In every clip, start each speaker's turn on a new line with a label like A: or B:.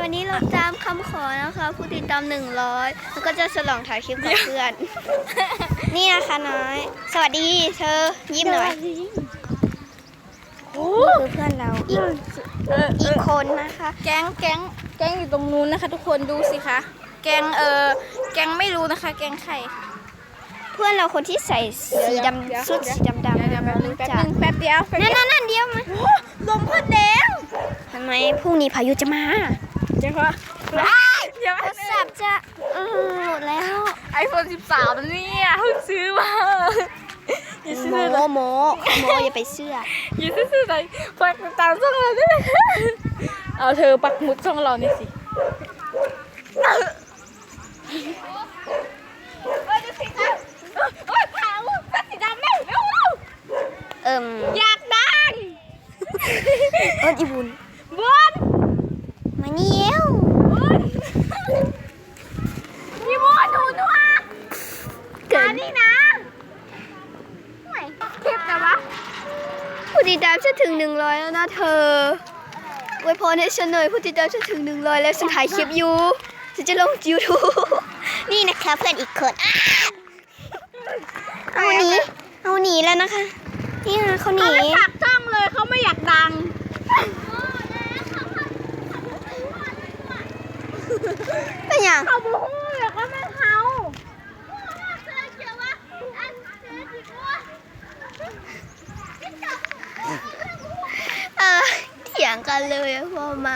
A: วันนี้เราตามคำขอนะคะผู้ติดตาม100แล้วก็จะฉลองถ่ายคลิปกับเพื่อน นี่นะคะน้อย สวัสดีเธอยิ้มหน่อยนี่คือเพื่อนเราอีกคนนะคะ
B: แก๊งอยู่ตรงนู้นนะคะ ทุกคนดูสิคะแก๊งไม่รู้นะคะ แก๊งใคร
A: เพื่อนเราคนที่ใส่สีดำชุดสีดำ
B: แป๊บนึงแป๊บเดียว
A: นั่นเดียวมา
B: ลมพัดแดง
A: ทำไมพรุ่งนี้พายุจะมา
B: เดี๋ยวค่ะเดี๋ยว
A: โทรศัพท์จะหมดแล้ว
B: iPhone 13แล้วเนี่ยเพิ่งซื้อมาอย่าซื้อเลย
A: โมอย่าไปเชื่อ
B: อย่าซื้อเลยปักตามช่องเราด้วยเอาเธอปักหมุดช่องเรานี่สิดูสิคะขาวเป็นสีดำแม่เร็วอยากดัง
A: อีบุญ
B: บน
A: มานี่เอว
B: พี่บนดูนัว
A: เกิด
B: นี่นะไม่คลิปนะวะ
A: ผู้ติดตามฉันถึง100แล้วนะเธออวยพรให้ฉันหน่อยผู้ติดตามฉันถึง100แล้วฉันถ่ายคลิปอยู่ฉันจะลง YouTube นี่นะคะเพื่อนอีกคนเอาหนีแล้วนะคะนี่นะเขาหนี
B: เขาไม่ปักช่องเลยเขาไม่อยากดัง
A: เป็นอย่าง
B: เขาบูฮู้อยากก็ไม่เขา
A: เถียงกันเลยพอมา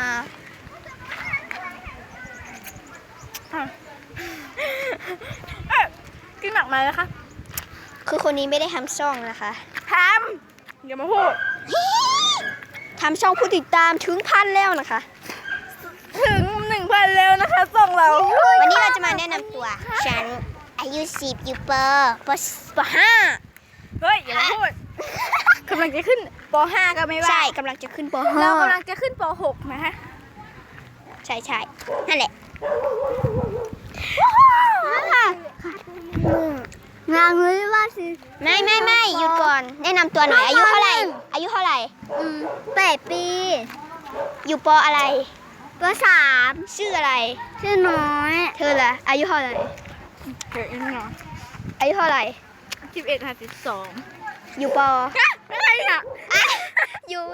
B: กินหนักไหมนะคะ
A: คือคนนี้ไม่ได้ทำช่องนะคะ
B: ทำอย่ามาพูด
A: ทำช่องผู้ติดตามถึง1,000แล้วนะคะ
B: ถึง 1,000แล้วนะคะส่งเรา
A: วันนี้เราจะมาแนะนำตัว ฉันอายุ10อยู่ป .5
B: เฮ้ยอย่ามาพูดกำลังจะขึ้นป .5 ก็ไม่ว่า
A: ใช่กำลังจะขึ้นป
B: เรา
A: .5
B: กำลังจะขึ้นป .6 นะคะ
A: ใช่นั่นแหละงานเลยว่าสิไม่หยุดก่อนแนะนำตัวหน่อยอายุเท่าไหร่8 ปีอยู่ปอะไรป .3 ชื่ออะไรชื่อน้อยเธอล่ะอายุเท่าไหร่
B: เกิดยังไง
A: อายุเท่าไหร่
B: 11 52
A: อยู่ป
B: อะไรอ่ะ
A: อยู่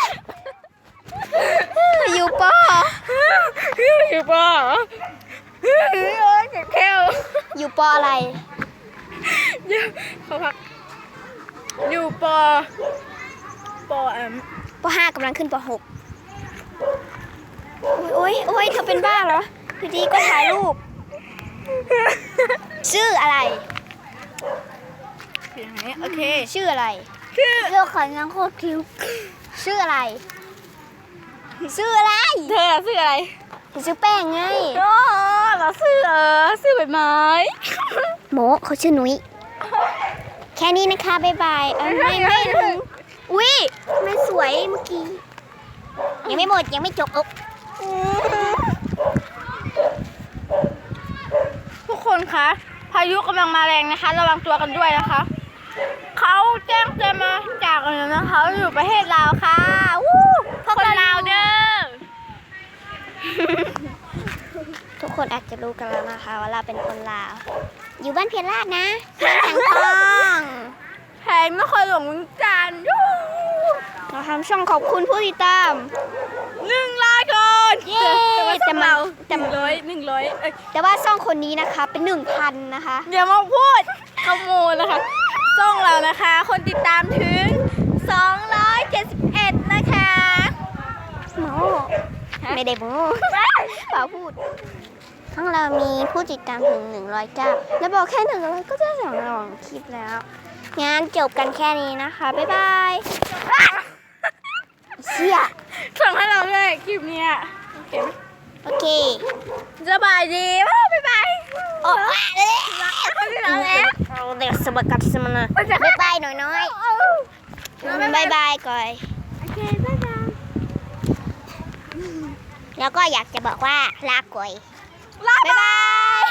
A: อยู่ป
B: อยู่ปโอ้ยเจ็บแค่ว
A: อยู่ปอะไร
B: เขาพักอยู่ปป
A: ป .5 กำลังขึ้นป .6 โอ้ยเธอเป็นบ้าเหรออยู่ดีก็ถ่ายรูป ชื่ออะไร
B: อย่างนี้โอเค
A: ชื่ออะไร
B: คือ
A: เลือกขอยังโคตรคิวชื่ออะไร ชื่ออะไร
B: เธอชื่ออะไร
A: ชื่อแป้งไง
B: อ๋อเราชื่อใบไม้
A: โมเขาชื่อนุ้ยแค่นี้นะคะบ๊ายบายไม่ถึงอุ้ยไม่สวยเมื่อกี้ยังไม่หมดยังไม่จบ
B: ทุกคนคะพายุกำลังมาแรงนะคะ ระวังตัวกันด้วยนะคะเขาแจ้งเตือนมาจากอะไรนะคะอยู่ประเทศลาวค่ะวู้คนลาวเด้อ
A: ทุกคนอาจจะรู้กันแล้วนะคะว่าเราเป็นคนลาวอยู่บ้านเพียรลาดนะแข็งทอง
B: แพงนครหลวงเมืองจันทร์ยู
A: เราทำช่องขอบคุณผู้ติดตาม
B: 100 คน
A: เย้แต่มา แต่ว่าช่องคนนี้นะคะเป็น 1,000 นะคะ
B: อย่ามาพูดขโมยนะคะช่องเรานะคะ คนติดตามถึง271นะคะ
A: โมไม่ได้โมเปล่าพูดช่องเรามีผู้ติดตามถึง109แล้วบอกแค่100ก็จะ2คลิปแล้วงั้นจบกันแค่นี้นะคะบ๊ายบายเชี่ย
B: ส่งให้เราด้วยคลิปเนี้ยโอเคไหม
A: โอเค
B: สบายดีบ๊ายบาย
A: โอ้ยเลย
B: ไม่ได้แล้ว
A: เอาเด็กสบักกัดสมนะบ๊ายบายหน่อยบ๊ายบายก่อย
B: โอเคบ๊ายบาย
A: แล้วก็อยากจะบอกว่าลาก่อย
B: ลา
A: บ๊ายบาย